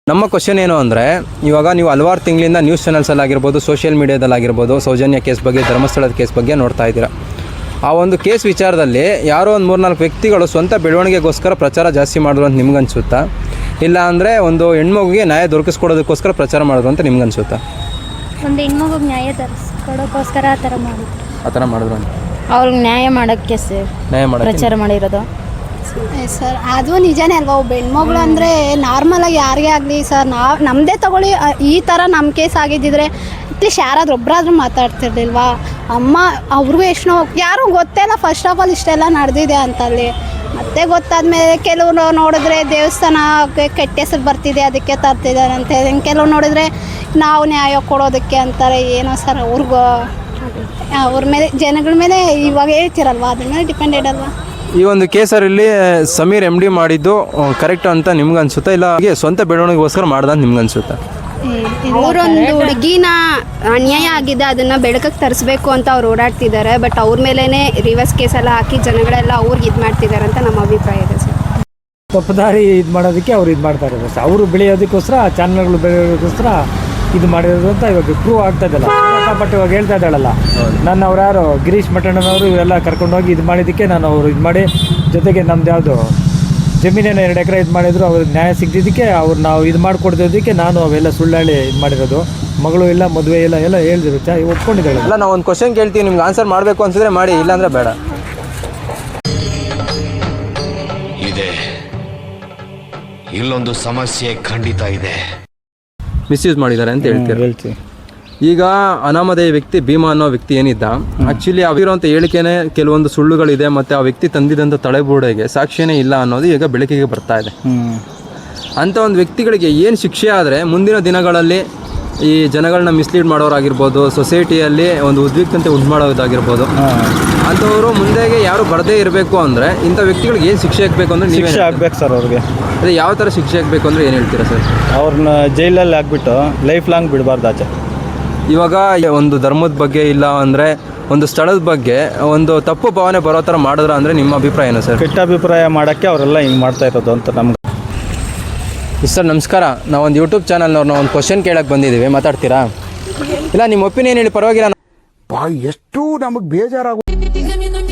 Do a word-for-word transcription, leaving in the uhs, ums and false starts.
ನಮ್ಮ ಕ್ವಶನ್ ಏನು ಅಂದರೆ, ಇವಾಗ ನೀವು ಹಲವಾರು ತಿಂಗಳಿಂದ ನ್ಯೂಸ್ ಚಾನಲ್ಸಲ್ಲಾಗಿರ್ಬೋದು, ಸೋಷಿಯಲ್ ಮೀಡಿಯಾದಲ್ಲಾಗಿರ್ಬೋದು, ಸೌಜನ್ಯ ಕೇಸ್ ಬಗ್ಗೆ, ಧರ್ಮಸ್ಥಳದ ಕೇಸ್ ಬಗ್ಗೆ ನೋಡ್ತಾ ಇದ್ದೀರಾ. ಆ ಒಂದು ಕೇಸ್ ವಿಚಾರದಲ್ಲಿ ಯಾರೋ ಒಂದು ಮೂರ್ನಾಲ್ಕು ವ್ಯಕ್ತಿಗಳು ಸ್ವಂತ ಬೆಳವಣಿಗೆಗೋಸ್ಕರ ಪ್ರಚಾರ ಜಾಸ್ತಿ ಮಾಡಿದ್ರು ಅಂತ ನಿಮ್ಗನ್ಸುತ್ತಾ? ಇಲ್ಲ ಅಂದರೆ ಒಂದು ಹೆಣ್ಮಗುಗೆ ನ್ಯಾಯ ದೊರಕಿಸ್ಕೊಡೋದಕ್ಕೋಸ್ಕರ ಪ್ರಚಾರ ಮಾಡಿದ್ರು ಅಂತ ನಿಮ್ಗನ್ಸುತ್ತಾ? ಒಂದು ಹೆಣ್ಮಗುಗೆ ನ್ಯಾಯ ದೊರಕಿಸ್ಕೊಡೋಕ್ಕೋಸ್ಕರ ಆ ಥರ ಮಾಡಿದ್ರು ಆ ಥರ ಮಾಡಿದ್ರು ಅಂತ ಅವ್ರಿಗೆ ನ್ಯಾಯ ಮಾಡೋಕ್ಕೆ ಸರ್ ನ್ಯಾಯ ಮಾಡಿ ಪ್ರಚಾರ ಮಾಡಿರೋದು ಸರ್. ಅದು ನಿಜನೇ ಅಲ್ವಾ, ಒಬ್ಬ ಹೆಣ್ಮಗಳು ಅಂದರೆ ನಾರ್ಮಲಾಗಿ ಯಾರಿಗೇ ಆಗಲಿ ಸರ್, ನಾವು ನಮ್ಮದೇ ತಗೊಳ್ಳಿ, ಈ ಥರ ನಮ್ಮ ಕೇಸ್ ಆಗಿದ್ದಿದ್ರೆ ಅಟ್ಲೀಸ್ಟ್ ಯಾರಾದ್ರೂ ಒಬ್ಬರಾದ್ರೂ ಮಾತಾಡ್ತಿರ್ಲಿಲ್ವಾ? ಅಮ್ಮ ಅವ್ರಿಗೂ ಎಷ್ಟು ನೋವು, ಯಾರೂ ಗೊತ್ತೇ ಇಲ್ಲ ಫಸ್ಟ್ ಆಫ್ ಆಲ್ ಇಷ್ಟೆಲ್ಲ ನಡೆದಿದೆ ಅಂತಲ್ಲಿ. ಮತ್ತೆ ಗೊತ್ತಾದ್ಮೇಲೆ ಕೆಲವರು ನೋಡಿದ್ರೆ ದೇವಸ್ಥಾನಕ್ಕೆ ಕೆಟ್ಟ ಹೆಸರು ಬರ್ತಿದೆ ಅದಕ್ಕೆ ತರ್ತಿದ್ದಾರೆ ಅಂತ ಹೇಳಿ, ಕೆಲವ್ರು ನೋಡಿದ್ರೆ ನಾವು ನ್ಯಾಯ ಕೊಡೋದಕ್ಕೆ ಅಂತಾರೆ. ಏನೋ ಸರ್, ಅವ್ರಿಗೂ ಅವ್ರ ಮೇಲೆ ಜನಗಳ ಮೇಲೆ ಇವಾಗ ಹೇಳ್ತಿರಲ್ವ, ಅದ್ರ ಮೇಲೆ ಡಿಪೆಂಡೆಡ್ ಅಲ್ವಾ? ಈ ಒಂದು ಕೇಸಲ್ಲಿ ಸಮೀರ್ ಎಮ್ ಡಿ ಮಾಡಿದ್ದು ಕರೆಕ್ಟ್ ಅಂತ ನಿಮ್ಗೆ ಅನ್ಸುತ್ತಾ, ಇಲ್ಲ ಹಾಗೆ ಸ್ವಂತ ಬೆಳವಣಿಗೆಗೋಸ್ಕರ ಮಾಡ್ದ ಅಂತ ನಿಮ್ಗೆ ಅನ್ಸುತ್ತಾ? ಅವರೊಂದು ಹುಡುಗಿನ ಅನ್ಯಾಯ ಆಗಿದೆ, ಅದನ್ನು ಬೆಳಕಕ್ಕೆ ತರಿಸ್ಬೇಕು ಅಂತ ಅವ್ರು ಓಡಾಡ್ತಿದ್ದಾರೆ. ಬಟ್ ಅವ್ರ ಮೇಲೇ ರಿವರ್ಸ್ ಕೇಸೆಲ್ಲ ಹಾಕಿ ಜನಗಳೆಲ್ಲ ಅವ್ರಿಗೆ ಇದು ಮಾಡ್ತಿದ್ದಾರೆ ಅಂತ ನಮ್ಮ ಅಭಿಪ್ರಾಯ ಇದೆ ಸರ್. ತಪ್ಪುದಾರಿ ಇದು ಮಾಡೋದಕ್ಕೆ ಅವ್ರು ಇದು ಮಾಡ್ತಾ ಇರೋದು ಸರ್. ಅವರು ಬೆಳೆಯೋದಕ್ಕೋಸ್ಕರ, ಚಾನಲ್ಗಳು ಬೆಳೆಯೋದಕ್ಕೋಸ್ಕರ ಇದು ಮಾಡಿರೋದು ಅಂತ ಇವಾಗ ಪ್ರೂವ್ ಆಗ್ತಾ ಇದಲ್ಲ. ಬಟ್ ಇವಾಗ ಹೇಳ್ತಾ ಇದ್ದಾಳಲ್ಲ, ನಾನು ಅವ್ರು ಯಾರು ಗಿರೀಶ್ ಮಠಣ್ಣನವರು ಇವರೆಲ್ಲ ಕರ್ಕೊಂಡೋಗಿ ಇದು ಮಾಡಿದ್ದಕ್ಕೆ ನಾನು ಅವರು ಇದು ಮಾಡಿ, ಜೊತೆಗೆ ನಮ್ದು ಯಾವುದು ಜಮೀನೇನು ಎರಡು ಎಕರೆ ಇದು ಮಾಡಿದ್ರು, ಅವ್ರಿಗೆ ನ್ಯಾಯ ಸಿಗ್ದಿದ್ದಕ್ಕೆ ಅವ್ರು ನಾವು ಇದು ಮಾಡಿಕೊಡ್ತಿದ್ದಕ್ಕೆ ನಾನು ಅವೆಲ್ಲ ಸುಳ್ಳಾಳಿ ಇದು ಮಾಡಿರೋದು. ಮಗಳು ಇಲ್ಲ, ಮದುವೆ ಇಲ್ಲ, ಎಲ್ಲ ಹೇಳ್ದಿರು ಚಾ ಒಪ್ಕೊಂಡಿದ್ದಾಳೆ. ಅಲ್ಲ, ನಾವು ಒಂದು ಕ್ವಶನ್ ಕೇಳ್ತೀವಿ, ನಿಮ್ಗೆ ಆನ್ಸರ್ ಮಾಡಬೇಕು ಅನ್ಸಿದ್ರೆ ಮಾಡಿ, ಇಲ್ಲಾಂದ್ರೆ ಬೇಡ. ಇದೆ, ಇಲ್ಲೊಂದು ಸಮಸ್ಯೆ ಖಂಡಿತ ಇದೆ. ಮಿಸ್ಯೂಸ್ ಮಾಡಿದ್ದಾರೆ ಅಂತ ಹೇಳ್ತೀರಾ? ಹೇಳ್ತೀವಿ. ಈಗ ಅನಾಮಧೇಯ ವ್ಯಕ್ತಿ ಭೀಮಾ ಅನ್ನೋ ವ್ಯಕ್ತಿ ಏನಿದ್ದ, ಆ್ಯಕ್ಚುಲಿ ಅವಿರೋಂಥ ಹೇಳಿಕೆನೇ ಕೆಲವೊಂದು ಸುಳ್ಳುಗಳಿದೆ, ಮತ್ತು ಆ ವ್ಯಕ್ತಿ ತಂದಿದ್ದಂಥ ತಡೆಗೋಡೆಗೆ ಸಾಕ್ಷಿಯೇ ಇಲ್ಲ ಅನ್ನೋದು ಈಗ ಬೆಳಕಿಗೆ ಬರ್ತಾ ಇದೆ. ಅಂಥ ಒಂದು ವ್ಯಕ್ತಿಗಳಿಗೆ ಏನು ಶಿಕ್ಷೆ ಆದರೆ ಮುಂದಿನ ದಿನಗಳಲ್ಲಿ ಈ ಜನಗಳನ್ನ ಮಿಸ್ಲೀಡ್ ಮಾಡೋರಾಗಿರ್ಬೋದು, ಸೊಸೈಟಿಯಲ್ಲಿ ಒಂದು ಉದ್ವಿಗ್ನತೆ ಉಂಟು ಮಾಡೋದಾಗಿರ್ಬೋದು, ಅಂಥವರು ಮುಂದೆಗೆ ಯಾರು ಬರದೇ ಇರಬೇಕು ಅಂದರೆ ಇಂಥ ವ್ಯಕ್ತಿಗಳಿಗೆ ಏನು ಶಿಕ್ಷೆ ಆಗಬೇಕು ಅಂದರೆ ನೀವು ಶಿಕ್ಷೆ ಆಗ್ಬೇಕು ಸರ್ ಅವ್ರಿಗೆ. ಅದೇ ಯಾವ ಥರ ಶಿಕ್ಷೆ ಆಗಬೇಕು ಅಂದರೆ ಏನು ಹೇಳ್ತೀರಾ ಸರ್? ಅವ್ರನ್ನ ಜೈಲಲ್ಲಿ ಹಾಕ್ಬಿಟ್ಟು ಲೈಫ್ ಲಾಂಗ್ ಬಿಡಬಾರ್ದು ಆಚೆ. ಇವಾಗ ಒಂದು ಧರ್ಮದ ಬಗ್ಗೆ ಇಲ್ಲ ಅಂದರೆ ಒಂದು ಸ್ಥಳದ ಬಗ್ಗೆ ಒಂದು ತಪ್ಪು ಭಾವನೆ ಬರೋ ಥರ ಮಾಡಿದ್ರ ಅಂದರೆ ನಿಮ್ಮ ಅಭಿಪ್ರಾಯ ಏನು ಸರ್? ಕೆಟ್ಟ ಅಭಿಪ್ರಾಯ ಮಾಡೋಕ್ಕೆ ಅವರೆಲ್ಲ ಹಿಂಗೆ ಮಾಡ್ತಾ ಇರೋದು ಅಂತ ನಮ್ಗೆ. ಸರ್ ನಮಸ್ಕಾರ, ನಾವೊಂದು ಯೂಟ್ಯೂಬ್ ಚಾನಲ್ನವ್ರನ್ನ ಒಂದು ಕ್ವಶನ್ ಕೇಳಕ್ಕೆ ಬಂದಿದ್ದೀವಿ, ಮಾತಾಡ್ತೀರಾ? ಇಲ್ಲ ನಿಮ್ಮ ಒಪಿನಿಯನ್ ಹೇಳಿ, ಪರವಾಗಿಲ್ಲ. ಎಷ್ಟು ನಮಗೆ ಬೇಜಾರಾಗ